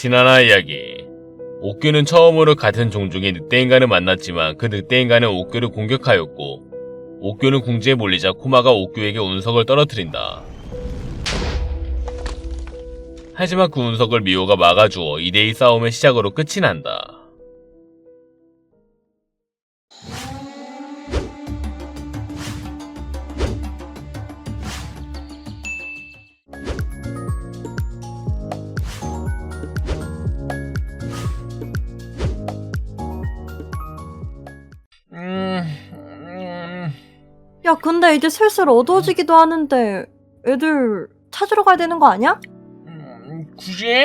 지난화 이야기. 옥규는 처음으로 같은 종족의 늑대인간을 만났지만 그 늑대인간은 옥규를 공격하였고 옥규는 궁지에 몰리자 코마가 옥규에게 운석을 떨어뜨린다. 하지만 그 운석을 미호가 막아주어 2대2 싸움의 시작으로 끝이 난다. 야, 근데 이제 슬슬 어두워지기도 하는데 애들 찾으러 가야 되는 거 아니야? 굳이?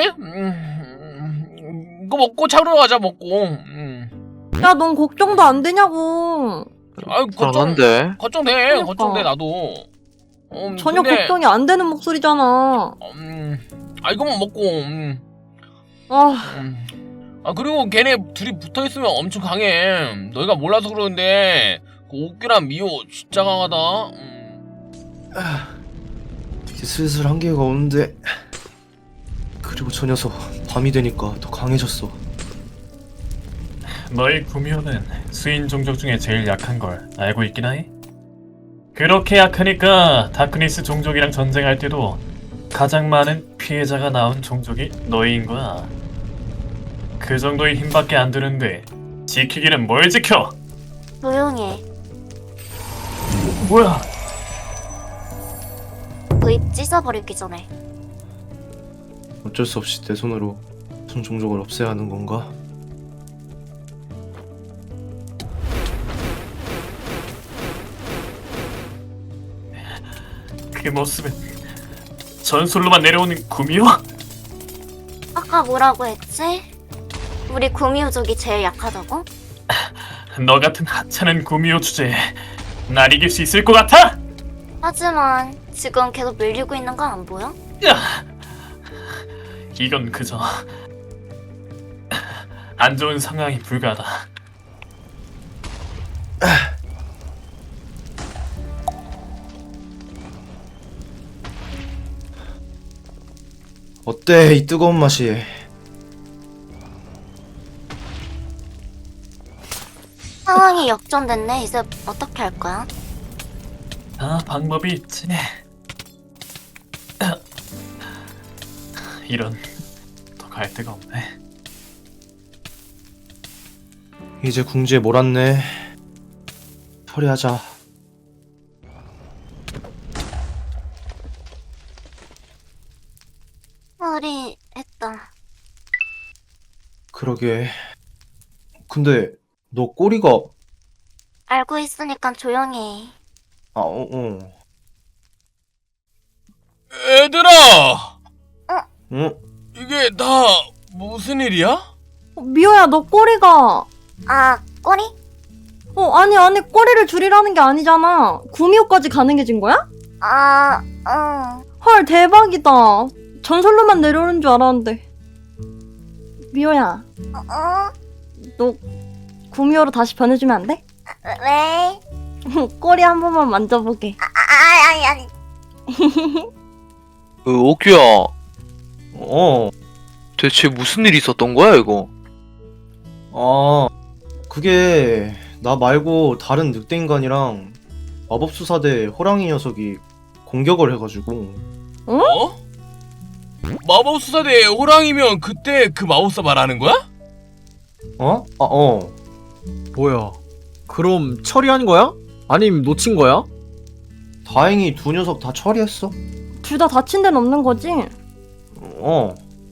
이거 먹고 차로 가자 먹고. 야, 넌 걱정도 안 되냐고. 아유 불안한데? 걱정돼. 그러니까. 걱정돼 나도. 전혀 근데, 걱정이 안 되는 목소리잖아. 이거만 먹고. 아, 그리고 걔네 둘이 붙어있으면 엄청 강해. 너희가 몰라서 그러는데 그 옥규랑 미호 진짜 강하다. 이제 슬슬 한계가 오는데. 그리고 저 녀석 밤이 되니까 더 강해졌어. 너희 구미호는 수인 종족 중에 제일 약한 걸 알고 있긴 하니? 그렇게 약하니까 다크니스 종족이랑 전쟁할 때도 가장 많은 피해자가 나온 종족이 너희인 거야. 그 정도의 힘밖에 안 드는데 지키기는 뭘 지켜? 조용해. 뭐야? 그 입 찢어버리기 전에. 어쩔 수 없이 내 손으로 무슨 종족을 없애야 하는 건가? 그 모습은 전술로만 내려오는 구미호? 아까 뭐라고 했지? 우리 구미호족이 제일 약하다고? 너 같은 하찮은 구미호 주제에 날 이길 수 있을 것 같아? 하지만 지금 계속 밀리고 있는 거 안 보여? 야! 이건 그저 안 좋은 상황이 불가하다. 어때 이 뜨거운 맛이? 상황이 역전됐네. 이제 어떻게 할 거야? 아, 방법이 있지. 이런, 더 갈 데가 없네. 이제 궁지에 몰았네. 처리하자. 처리했다. 그러게. 근데 너 꼬리가 알고 있으니까 조용히 해. 어. 얘들아! 응? 이게 다 무슨 일이야? 미호야, 너 꼬리가. 아, 꼬리? 아니, 꼬리를 줄이라는 게 아니잖아. 구미호까지 가능해진 거야? 아, 응. 헐, 대박이다. 전설로만 내려오는 줄 알았는데. 미호야, 너 구미호로 다시 변해주면 안 돼? 왜? 꼬리 한 번만 만져보게. 아니. 옥규야, 어. 대체 무슨 일이 있었던 거야, 이거? 그게 나 말고 다른 늑대인간이랑 마법수사대 호랑이 녀석이 공격을 해가지고. 어? 마법수사대 호랑이면 그때 그 마법사 말하는 거야? 어? 뭐야? 그럼 처리한 거야? 아님 놓친 거야? 다행히 두 녀석 다 처리했어. 둘 다 다친 데는 없는 거지? 어.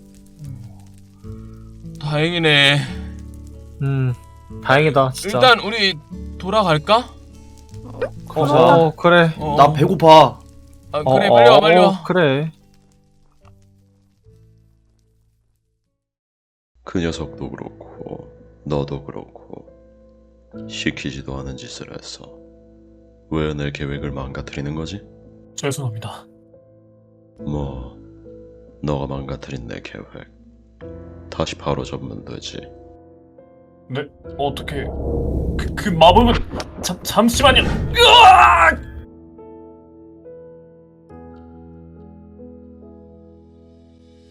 다행이네. 다행이다 진짜. 일단 우리 돌아갈까? 가자. 그래. 나 배고파. 그래 빨리 와. 그래. 그 녀석도 그렇고 너도 그렇고 시키지도 않은 짓을 했어. 왜 내 계획을 망가뜨리는 거지? 죄송합니다. 뭐 너가 망가뜨린 내 계획 다시 바로 접으면 되지. 네, 어떻게... 그 마법은... 잠시만요! 으악!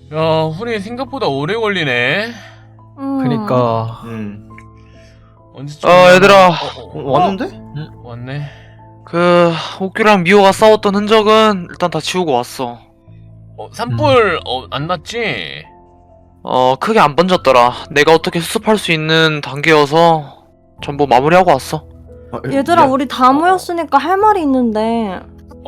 야, 훈이 생각보다 오래 걸리네. 그니까 언제쯤? 얘들아. 왔는데? 왔네. 옥규랑 미호가 싸웠던 흔적은 일단 다 지우고 왔어. 산불 안 났지? 크게 안 번졌더라. 내가 어떻게 수습할 수 있는 단계여서 전부 마무리하고 왔어. 얘들아, 우리 다 모였으니까 할 말이 있는데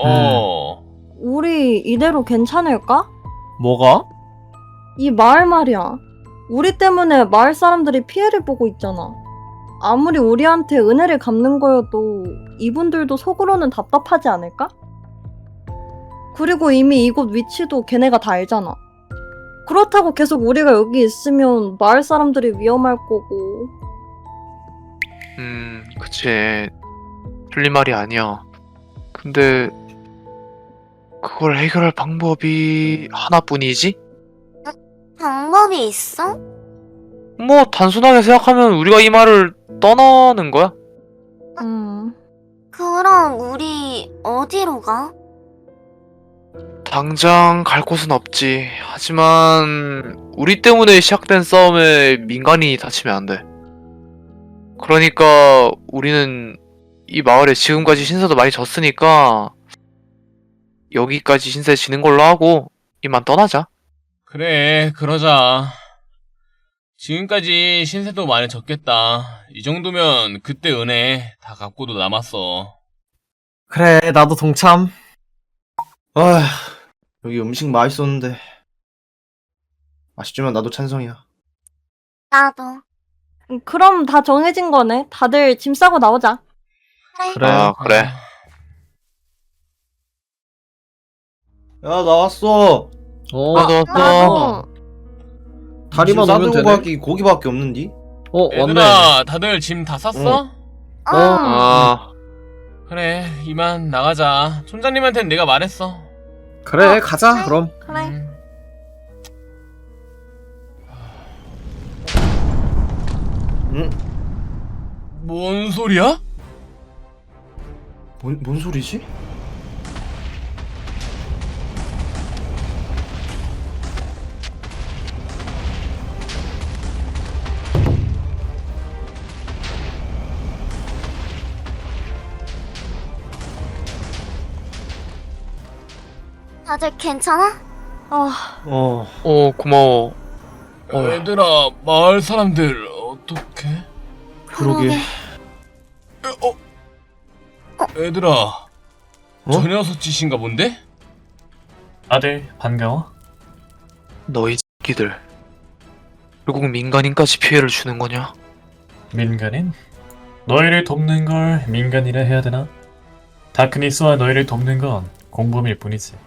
우리 이대로 괜찮을까? 뭐가? 이 마을 말이야. 우리 때문에 마을 사람들이 피해를 보고 있잖아. 아무리 우리한테 은혜를 갚는 거여도 이분들도 속으로는 답답하지 않을까? 그리고 이미 이곳 위치도 걔네가 다 알잖아. 그렇다고 계속 우리가 여기 있으면 마을 사람들이 위험할 거고. 그치. 틀린 말이 아니야. 근데 그걸 해결할 방법이 하나뿐이지? 방법이 있어? 뭐 단순하게 생각하면 우리가 이 말을 떠나는 거야. 그럼 우리 어디로 가? 당장 갈 곳은 없지. 하지만 우리 때문에 시작된 싸움에 민간인이 다치면 안 돼. 그러니까 우리는 이 마을에 지금까지 신세도 많이 졌으니까 여기까지 신세 지는 걸로 하고 이만 떠나자. 그래, 그러자. 지금까지 신세도 많이 졌겠다. 이 정도면 그때 은혜 다 갚고도 남았어. 그래, 나도 동참. 아, 여기 음식 맛있었는데. 아쉽지만 나도 찬성이야. 나도. 그럼 다 정해진 거네. 다들 짐 싸고 나오자. 그래. 그래. 야, 나왔어. 나도 왔어. 나도. 다리만 지금 오면 싸들고 되네. 가기 고기밖에 없는디? 왔네. 얘들아, 다들 짐 다 쌌어? 그래, 이만 나가자. 촌장님한테는 내가 말했어. 그래, 가자, 그럼. 그래. 뭔 소리야? 뭔 소리지? 다들 괜찮아? 고마워. 얘들아, 마을 사람들 어떡해? 그러게. 얘들아, 저 녀석 짓인가 본데? 다들 반가워? 너희 새끼들. 결국 민간인까지 피해를 주는 거냐? 민간인? 너희를 돕는 걸 민간이라 해야 되나? 다크니스와 너희를 돕는 건 공범일 뿐이지.